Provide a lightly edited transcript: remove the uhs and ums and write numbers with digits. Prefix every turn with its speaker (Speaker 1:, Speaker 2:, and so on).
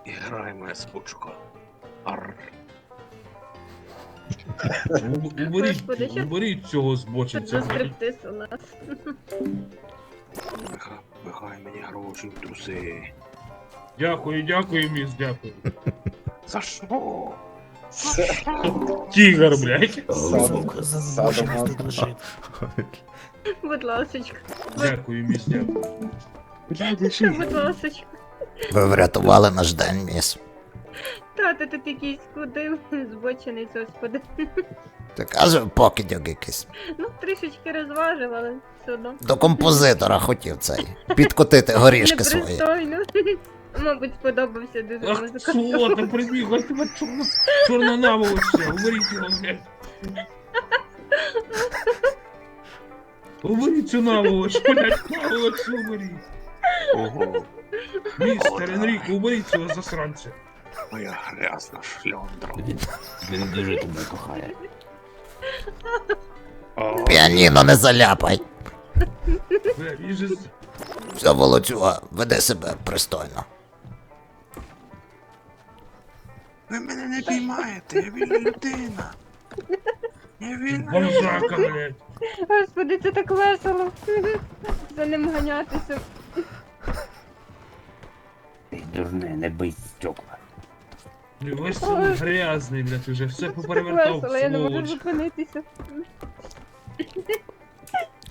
Speaker 1: І грає моя спочка. Арр.
Speaker 2: Господи, що
Speaker 3: Уберіть цього
Speaker 2: тут
Speaker 3: збочинця.
Speaker 2: за стриптиз у нас?
Speaker 1: Пихай мені гроші в труси.
Speaker 3: Дякую, міс, дякую.
Speaker 1: За що?
Speaker 3: Тігр, блядь.
Speaker 2: Будь ласочка.
Speaker 3: Дякую, міс, дякую.
Speaker 2: Будь ласочка.
Speaker 4: Ви врятували наш день, міс.
Speaker 2: Тато тут якийсь кудив, збочений, господи.
Speaker 4: Ти каже, покидьок якийсь.
Speaker 2: Ну, трішечки розважив, але все одно.
Speaker 4: До композитора хотів цей. Підкотити горішки свої.
Speaker 2: Непристойно. Мабуть, сподобався дуже
Speaker 3: Ах,
Speaker 2: музика.
Speaker 3: сволота, прибігла, тебе чорна наволочка. Уберіть його, блядь. Уберіть цю наволочку, блядь, наволочку уберіть.
Speaker 1: Ого,
Speaker 3: Містер Енріко, уберіть цього засранця.
Speaker 1: моя грязна шльондра.
Speaker 5: Він дуже тебе кохає.
Speaker 4: Піаніно не заляпай.
Speaker 3: Бля, він же...
Speaker 4: Все, Володюга, веди себе пристойно.
Speaker 1: Ви мене не піймаєте, я вільна людина. Я вільна
Speaker 3: Бомжака, блядь.
Speaker 2: Господи, це так весело. За ним ганятися.
Speaker 5: Ти дурне, не бий стекла.
Speaker 3: Весь грязний, блядь, уже все
Speaker 2: Це так
Speaker 3: поперевертав,
Speaker 2: весело, я не можу
Speaker 3: сволоч.
Speaker 2: зупинитися.